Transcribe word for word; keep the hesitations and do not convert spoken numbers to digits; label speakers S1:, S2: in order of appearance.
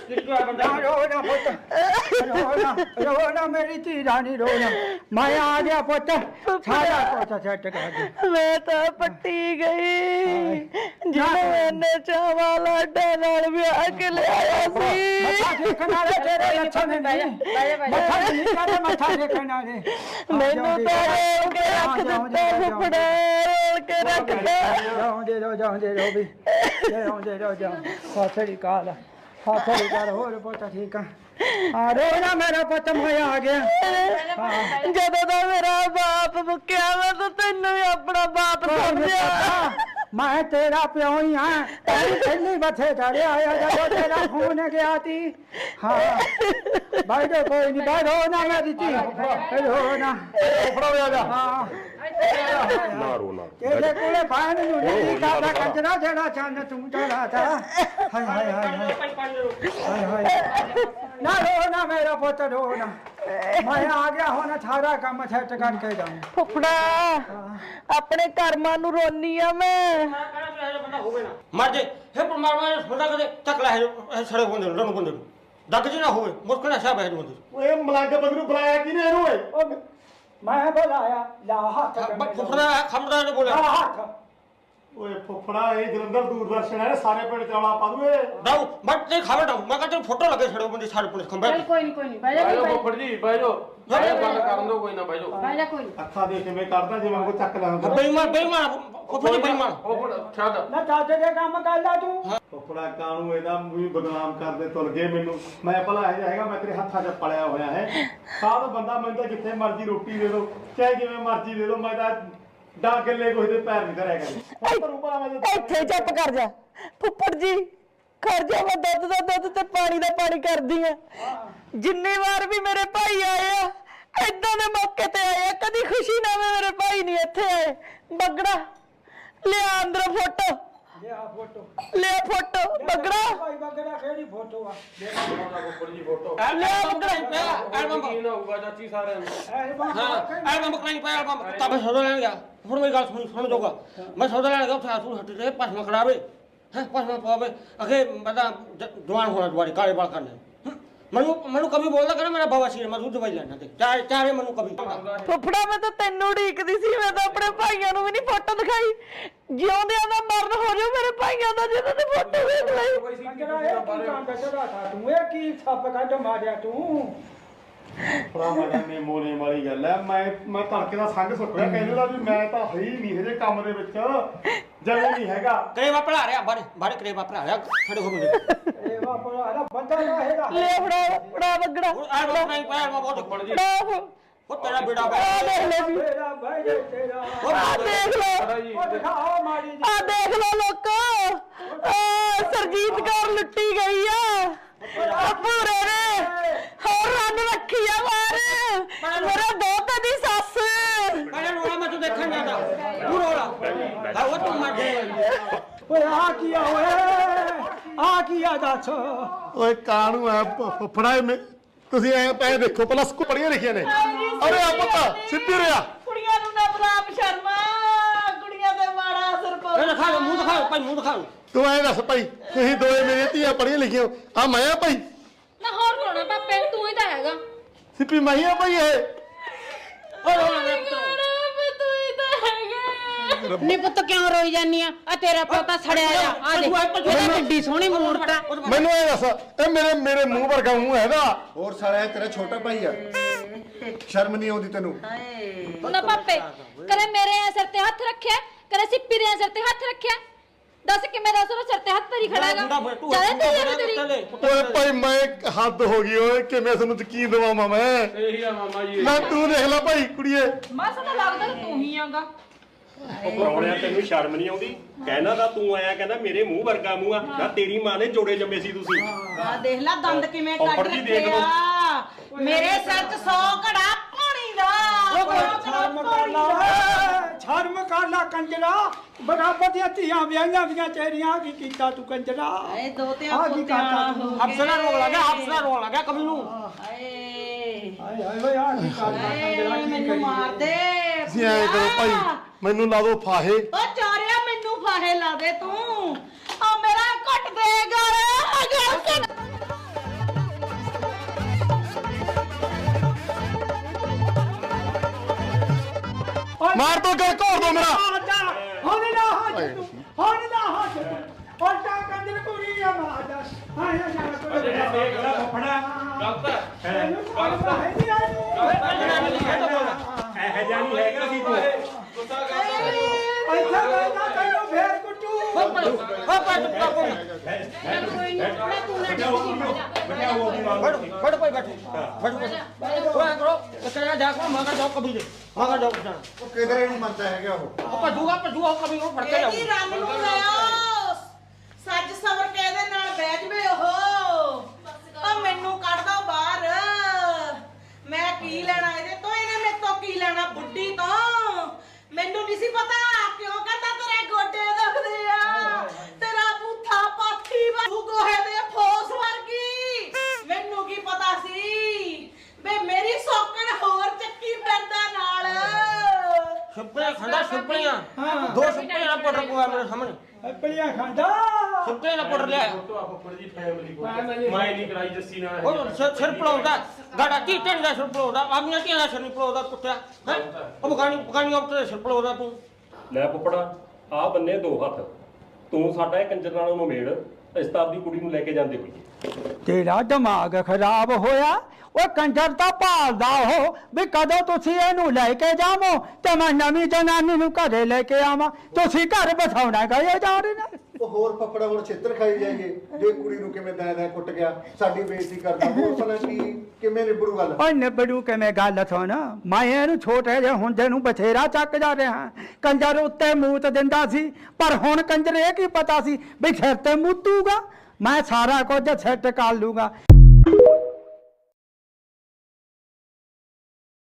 S1: रो ना पुत रो ना रो ना मेरी धी रानी रो ना मैं आ गया पुत सारा कुछ सेट कर दे
S2: मैं तो पट्टी गई जिन्हें मैंने चावा लाडा नाल ब्याह के ले आया सी
S1: मथा देखना रे तेरे लक्षण नहीं मथा नहीं करे मथा देखना रे
S2: मैनू तो रोल के रख दिता फुफड़ा रोल के रख दे
S1: जाओ दे रो जाओ दे रो भी जाओ दे रो जाओ फासड़ी काल फासड़ी काल हो रे पुत ठीक है आ रो ना मेरा पुत मैं आ गया
S2: ਜਦੋਂ ਦਾ ਮੇਰਾ ਬਾਪ ਮੁੱਕਿਆ ਮੈਂ ਤਾਂ ਤੈਨੂੰ ਵੀ ਆਪਣਾ ਬਾਪ ਸਮਝਿਆ
S1: मैं तेरा प्यो ही हाँ पहली बथे चढ़े आया जब तेरा खून गया थी हाँ भाई तो कोई नहीं भाई रो ना मेरी थी रो ना हाँ
S3: ना रो ना
S1: तेरे कोले बहन नहीं का कंजरा जड़ा चंद तुम चढ़ा था हाय हाय हाय हाय हाय ना रो ना मेरा पुत्र रो ना मैं आ गया होना सारा काम सेट करके जाऊं
S2: ਫੁੱਫੜਾ ਆਪਣੇ ਕਰਮਾਂ ਨੂੰ ਰੋਨੀ ਆ ਮੈਂ
S4: मर जाए हे परमात्मा ने खुदा करे तकला है सड़े बंदे रण बंदे दग जी ना होवे मुस्कन ऐसा बैठ बंदे
S3: ਓਏ ਮਲੰਗ ਬੰਦੇ ਨੂੰ ਬੁਲਾਇਆ ਕਿਨੇ ਇਹਨੂੰ ਓਏ
S1: मैं बुलाया ला हाथ
S4: फुफड़ा खमड़ा ने बोला
S1: ला हाथ
S3: ਓਏ ਫੁੱਫੜਾ ਇਹ ਜਲੰਧਰ ਦੂਰਦਰਸ਼ਨ ਹੈ ਸਾਰੇ ਪਿੰਡ ਚੌਲਾ ਪਾ ਦੂਏ
S4: दाऊ बट ते खावे दाऊ मैं कहते फोटो लगे सड़े बंदे सारे पुलिस खंबे
S5: कोई नहीं कोई नहीं बैठ जा
S6: ਫੁੱਫੜ ਜੀ ਬਹਿ ਜਾਓ ਬੰਦ ਕਰਨ ਦਿਓ ਕੋਈ ਨਾ ਬਹਿ ਜਾਓ
S5: बैठ जा कोई नहीं
S3: ਅੱਖਾਂ ਦੇਖ ਕਿਵੇਂ ਕੱਢਦਾ ਜਿਵੇਂ ਕੋ ਚੱਕ ਲਾਂਗਾ
S4: बेईमान बेईमान फुफड़ी बेईमान
S6: ਫੁੱਫੜ ਛੱਡ
S1: ना चाचे दे काम कर ला तू
S3: ਫੁੱਫੜਾ ਕਾਣੂ ਇਹਦਾ ਵੀ ਬਦਨਾਮ ਕਰਦੇ ਤੁਲ ਗਏ ਮੈਨੂੰ ਮੈਂ ਭਲਾ ਇਹ ਹੈਗਾ ਮੈਂ ਤੇਰੇ ਹੱਥਾਂ 'ਚ ਪਲਿਆ ਹੋਇਆ ਹੈ ਸਾਧ ਬੰਦਾ ਮੈਨੂੰ ਤਾਂ ਜਿੱਥੇ ਮਰਜ਼ੀ ਰੋਟੀ ਦੇ ਦੋ ਚਾਹੇ ਜਿਵੇਂ ਮਰਜ਼ੀ ਦੇ ਦੋ ਮੈਂ ਤਾਂ ਡਾਂ ਗੱਲੇ ਕੋਈ ਦੇ ਪੈਰ ਨਹੀਂ ਧਰਿਆ ਕਰੀ
S2: ਇੱਥੇ ਚੁੱਪ ਕਰ ਜਾ ਫੁੱਫੜ ਜੀ ਕਰ ਜਾ ਮੈਂ ਦੁੱਧ ਦਾ ਦੁੱਧ ਤੇ ਪਾਣੀ ਦਾ ਪਾਣੀ ਕਰਦੀ ਆ ਜਿੰਨੀ ਵਾਰ ਵੀ ਮੇਰੇ ਭਾਈ ਆਏ ਆ ਏਦਾਂ ਦੇ ਮੌਕੇ ਤੇ ਆਏ ਆ ਕਦੀ ਖੁਸ਼ੀ ਨਾਲ ਮੇਰੇ ਭਾਈ ਨਹੀਂ ਇੱਥੇ ਆਏ ਬੱਗੜਾ ਲਿਆ ਅੰਦਰ ਫੋਟੋ
S1: ले आ फोटो
S2: ਲੈ ਫੋਟੋ ਬੱਗੜਾ
S1: भाई बगड़ा केड़ी फोटो आ
S6: ਫੁੱਫੜ ਜੀ ਫੋਟੋ
S4: एल्बम बकराई पे एल्बम
S6: ਕੀ ਨਾ ਹੋਊਗਾ ਚਾਚੀ ਸਾਰਿਆਂ ਨੂੰ
S4: हां एल्बम बकराई पे एल्बम तब सौदा लेने गया फिर मेरी गल सुन सुन जोगा मैं सौदा लेने गया उठा सुन हट रे पसमा खड़ावे हैं पसमा पावे अगे बता जवान होना तुम्हारी काले बाल करने मनु मनु कभी बोलदा करे मेरा बाबा सी मैं दूध दवाई लेना ते चाहे चाहे मनु कभी
S2: ਫੁੱਫੜਾ ਮੈਂ ਤਾਂ ਤੈਨੂੰ ਢੀਕਦੀ ਸੀ ਮੈਂ ਤਾਂ ਆਪਣੇ ਭਾਈਆਂ ਨੂੰ ਵੀ ਨਹੀਂ ਫੋਟੋ ਦਿਖਾਈ ਜਿਉਂਦਿਆਂ ਦਾ ਮਰਨ ਹੋ ਜਾਓ ਮੇਰੇ ਭਾਈਆਂ ਦਾ ਜਿਹਨਾਂ ਦੀ ਫੋਟੋ ਵੇਖ ਲਈ
S1: कंजरा ये की काम चढ़ा था तू ये की छप काट मारिया तू
S3: ਫੁੱਫੜਾ ਮਾੜਾ ਨੇ ਮੋਨੇ ਵਾਲੀ ਗੱਲ ਹੈ ਮੈਂ ਮੈਂ ਤੜਕੇ ਦਾ ਸੰਗ ਸੁੱਟਿਆ ਕਹਿੰਦੇ ਦਾ ਵੀ ਮੈਂ ਤਾਂ ਹੈ ਹੀ ਨਹੀਂ ਇਹਦੇ ਕੰਮ ਦੇ ਵਿੱਚ ਜਲੇ ਨਹੀਂ ਹੈਗਾ
S4: करेवा पढ़ा रहा बारे बारे करेवा पढ़ा रहा खड़े हो गए
S1: ए बाप रे अरे बंदा रहेगा
S2: ਲੈ ਫੜਾ ਫੜਾ ਬੱਗੜਾ
S4: एल्बम बकराई पे एल्बम बहुत
S6: ਫੁੱਫੜ ਜੀ
S2: ਫੜਾ
S4: वो तेरा बेटा
S2: ਆ ਦੇਖ ਲੈ ਜੀ
S1: तेरा भाई जे तेरा
S2: ਆ ਦੇਖ ਲੋ
S6: ਜੀ
S1: ओ दिखाओ मारी
S2: ਆ ਦੇਖ ਲੋ ਲੋਕੋ ਆ ਸਰਜੀਤ ਕੌਰ ਲੁੱਟੀ ਗਈ ਆ ਆ ਪੂਰੇ ਨੇ ਹੋਰ ਰੰਨ ਰੱਖੀ ਆ ਮਾਰ ਮੇਰਾ ਦੋਤਾ ਦੀ ਸੱਸ
S4: मैंने रोला मैं तो देखा नहीं था तू रोला हाँ वो तुम मर गए
S1: ओए आ किया ओए आ किया दस
S3: ਓਏ ਕਾਣੂ ਆ ਫੁੱਫੜਾ ਇਹ ਤੁਸੀਂ ਐ ਪੈ ਦੇਖੋ ਪਹਿਲਾਂ ਸਕੂ ਪੜੀਆਂ ਲਿਖੀਆਂ ਨੇ ਅਰੇ ਆ ਪਤਾ ਸਿੱਧੀ ਰਿਆ
S2: ਕੁੜੀਆਂ ਨੂੰ ਨਾ ਬਰਾਬ ਸ਼ਰਮਾ ਕੁੜੀਆਂ ਤੇ ਮਾੜਾ ਅਸਰ ਪਊ
S4: ये दिखा लो मुंह दिखा लो भाई मुंह दिखा लो
S3: ਤੂੰ ਐ ਦੱਸ ਭਾਈ ਤੁਸੀਂ ਦੋਏ ਮੇਰੇ ਧੀਆਂ ਪੜੀਆਂ ਲਿਖੀਆਂ ਆ ਮੈਂ ਆ ਭਾਈ
S5: ना होर कोना पापे तू ही तो हैगा
S3: ਸਿੱਪੀ ਮੈਂ ਆ ਭਾਈ ਇਹ
S4: और रोला मेरे पुत्र
S2: ਤੂੰ ਹੀ ਤਾਂ ਹੈਗਾ
S5: नी पुत्त क्यों रोई जानी आ आ तेरा पोता सड़या जा आ देख एदा किड्डी सोहनी मूरत आ
S3: ਮੈਨੂੰ ਇਹ ਦੱਸ ਇਹ ਮੇਰੇ ਮੇਰੇ ਮੂੰਹ ਵਰਗਾ ਮੂੰਹ ਹੈਗਾ
S7: ਹੋਰ ਸਾਲਿਆ ਤੇਰਾ ਛੋਟਾ ਭਾਈ ਆ ਸ਼ਰਮ ਨਹੀਂ ਆਉਂਦੀ ਤੈਨੂੰ
S5: ना पापे करे मेरे सिर ते हाथ रखे करे सिप्पी दे सिर ते हाथ रखे दस कि मेरा सिर सिर ते हाथ तरी खड़ागा चले तेरी तेरी
S3: ਓਏ ਭਾਈ ਮੈਂ ਹੱਦ ਹੋ ਗਈ ਓਏ ਕਿਵੇਂ ਤੁਹਾਨੂੰ ਯਕੀਨ ਦਵਾਵਾਂ ਮੈਂ
S6: ਇਹੀ ਆ ਮਾਮਾ ਜੀ
S3: ਨਾ ਤੂੰ ਦੇਖ ਲੈ ਭਾਈ ਕੁੜੀਏ
S5: मासा तो लगदा तू ही आगा
S8: ਪਰੌਣਿਆ ਤੈਨੂੰ ਸ਼ਰਮ ਨਹੀਂ ਆਉਂਦੀ ਕਹਿਣਾ ਤਾਂ ਤੂੰ ਆਇਆ ਕਹਿੰਦਾ ਮੇਰੇ ਮੂੰਹ ਵਰਗਾ ਮੂੰਹ ਆ ਨਾ ਤੇਰੀ ਮਾਂ ਨੇ ਜੋੜੇ ਜੰਮੇ ਸੀ ਤੁਸੀਂ
S2: ਆ ਦੇਖ ਲੈ ਦੰਦ ਕਿਵੇਂ ਕੱਢ
S8: ਫੁੱਫੜ ਜੀ ਦੇਖ ਲਓ।
S2: ਰੱਖਿਆ ਮੇਰੇ ਸਿਰ 'ਚ ਸੌ ਘੜਾ ਪਾਣੀ ਦਾ
S1: शर्म कर ला शर्म कर ला कंजरा बराबर दी धीआं विआहियां वीआं तेरियां की कीता तू कंजरा
S2: ए दो ते
S1: आ की करता तू
S4: अफसरा रोक लगा अफसरा रोक लगा कभी नू
S2: ਹਾਏ
S1: हाय हाय ਓਏ आ की करता कंजरा की
S2: ਮੈਨੂੰ
S1: करी
S2: ਮਾਰ ਦੇ
S3: ਤੁਸੀਂ ਐਂ ਕਰੋ ਭਾਈ ਮੈਨੂੰ ਲਾ ਦਿਓ ਫਾਹੇ
S2: ਓ ਚਾਰਿਆ ਮੈਨੂੰ ਫਾਹੇ ਲਾ ਦੇ ਤੂੰ ਆ ਮੇਰਾ ਘਟ ਦੇ ਗਲ ਗਲ
S7: ਮਾਰ ਦੋ ਗੱਲ ਘੋਰ ਦੋ ਮੇਰਾ
S1: ਹੁਣ ਨਾ ਹੱਥ ਤੂੰ ਹੁਣ ਨਾ ਹੱਥ ਤੂੰ ਉਲਟਾ ਕੰਜਰ ਕੁੜੀ ਆ ਮਾਦਾ ਹਾਏ ਹਾਏ ਨਾ
S3: ਦੇਖ ਲੈ ਫਫੜਾ
S6: ਗਲਤ ਹੈ
S1: ਗਲਤ ਹੈ ਨਹੀਂ ਆਈ
S3: ਇਹ ਜਾਨੀ ਹੈਗਾ ਸੀ ਤੂੰ
S6: ਗੁੱਸਾ ਕਰਦਾ
S1: ਇੱਥੇ ਮੈਂ ਨਾ ਤੈਨੂੰ ਫੇਰ ਕੁੱਟੂ
S3: ਬਟਿਆ ਉਹ ਦੀ ਮਾਰ
S4: बैठो भाई बैठो बैठो बैठो ओए करो कचरा जा को मगर जाओ कभी दे मगर जाओ जाना
S7: ਉਹ ਕਿਧਰੇ ਨਹੀਂ ਮੰਨਦਾ ਹੈਗਾ ਉਹ
S4: ओ पजूगा पजूगा कभी को पड़ते जाओ
S2: ਇਹਦੀ ਰੰਗ ਨੂੰ ਲਿਆਓ ਸੱਜ ਸਵਰ ਕੇ ਇਹਦੇ ਨਾਲ ਬਹਿ ਜਵੇ ਉਹ ਉਹ ਮੈਨੂੰ ਕੱਢ ਦੋ ਬਾਹਰ ਮੈਂ ਕੀ ਲੈਣਾ ਇਹਦੇ ਤੋਂ ਇਹਨੇ ਮੇਰੇ ਤੋਂ ਕੀ ਲੈਣਾ ਬੁੱਢੀ ਤੋਂ ਮੈਨੂੰ ਨਹੀਂ ਸੀ ਪਤਾ ਕਿਉਂ ਕਹਿੰਦਾ ਤੇਰੇ ਗੋਡੇ ਦੁਖਦੇ ਆ ਤੇਰਾ ਬੂਥਾ ਪਾਥੀ ਤੂੰ ਗੋਹੇ ਦੇ ਫੋਸ ਵਰਗੀ ਮੈਨੂੰ ਕੀ ਪਤਾ ਸੀ ਵੇ ਮੇਰੀ ਸੌਕਣ ਹੋਰ ਚੱਕੀ ਫਿਰਦਾ ਨਾਲ
S4: सुपड़ियां खंडा सुपड़ियां दो सुपड़ियां ना पड़ रहा मेरे सामने
S1: ਪਲੀਆਂ ਖਾਂਦਾ
S4: सुपड़ियां ना पड़ लिया
S3: ਫੁੱਫੜ ਜੀ ਫੈਮਿਲੀ ਕੋ ਮੈਂ ਨਹੀਂ ਕਰਾਈ ਜੱਸੀ ਨਾਲ
S4: ओ सिर सिर पड़ाउंदा गाड़ा की टेंड दा सिर पड़ाउंदा आपने की ना सिर नहीं पड़ाउंदा कुत्ता हैं अब गानी गानी अब तेरे सिर पड़ाउंदा तू
S8: ਲੈ ਪੁੱਪੜਾ ਆ ਬੰਨੇ ਦੋ ਹੱਥ ਤੂੰ ਸਾਡਾ ਇਹ ਕੰਜਰ ਨਾਲੋਂ ਨੂੰ ਮੇੜ ਇਸ ਤਾਂ ਆਪਦੀ ਕੁੜੀ ਨੂੰ ਲੈ ਕੇ ਜਾਂਦੇ ਹੋਈਏ
S1: ਤੇਰਾ ਦਿਮਾਗ ਖਰਾਬ ਹੋਇਆ ਉਹ ਕੰਜਰ ਤਾਂ ਭਾਲਦਾ ਉਹ ਵੀ ਕਦੋਂ ਤੁਸੀਂ ਇਹਨੂੰ ਲੈ ਕੇ ਜਾਵੋ ਤੇ ਮੈਂ ਨਵੀਂ ਜਨਾਨੀ ਨੂੰ ਘਰੇ ਲੈ ਕੇ ਆਵਾਂ ਤੁਸੀਂ ਘਰ ਬਸਾਉਣਾ ਗਏ ਜਾ ਰਹੇ ਨੇ
S7: ਉਹ ਹੋਰ ਫੱਫੜਾ ਹੁਣ ਛਿੱਤਰ ਖਾਈ ਜਾਈਏ ਜੇ ਕੁੜੀ ਨੂੰ ਕਿਵੇਂ ਦੈ ਦੈ ਕੁੱਟ ਗਿਆ ਸਾਡੀ ਬੇਇੱਜ਼ਤੀ ਕਰਦਾ ਹੋਰ ਭਲਾ ਕੀ ਕਿਵੇਂ ਨਿਬੜੂ ਗੱਲ
S1: ਓਏ ਨਿਬੜੂ ਕਿਵੇਂ ਗੱਲ ਸੁਣ ਮੈਂ ਇਹਨੂੰ ਛੋਟੇ ਜਿਹੇ ਹੁੰਦੇ ਨੂੰ ਬਥੇਰਾ ਚੱਕ ਜਾ ਰਿਹਾ ਕੰਜਰ ਉੱਤੇ ਮੂਤ ਦਿੰਦਾ ਸੀ ਪਰ ਹੁਣ ਕੰਜਰ ਇਹ ਕੀ ਪਤਾ ਸੀ ਵੀ ਸਿਰ ਤੇ ਮੂਤੂਗਾ ਮੈਂ ਸਾਰਾ ਕੁਝ ਸੈੱਟ ਕਰ ਲੂਗਾ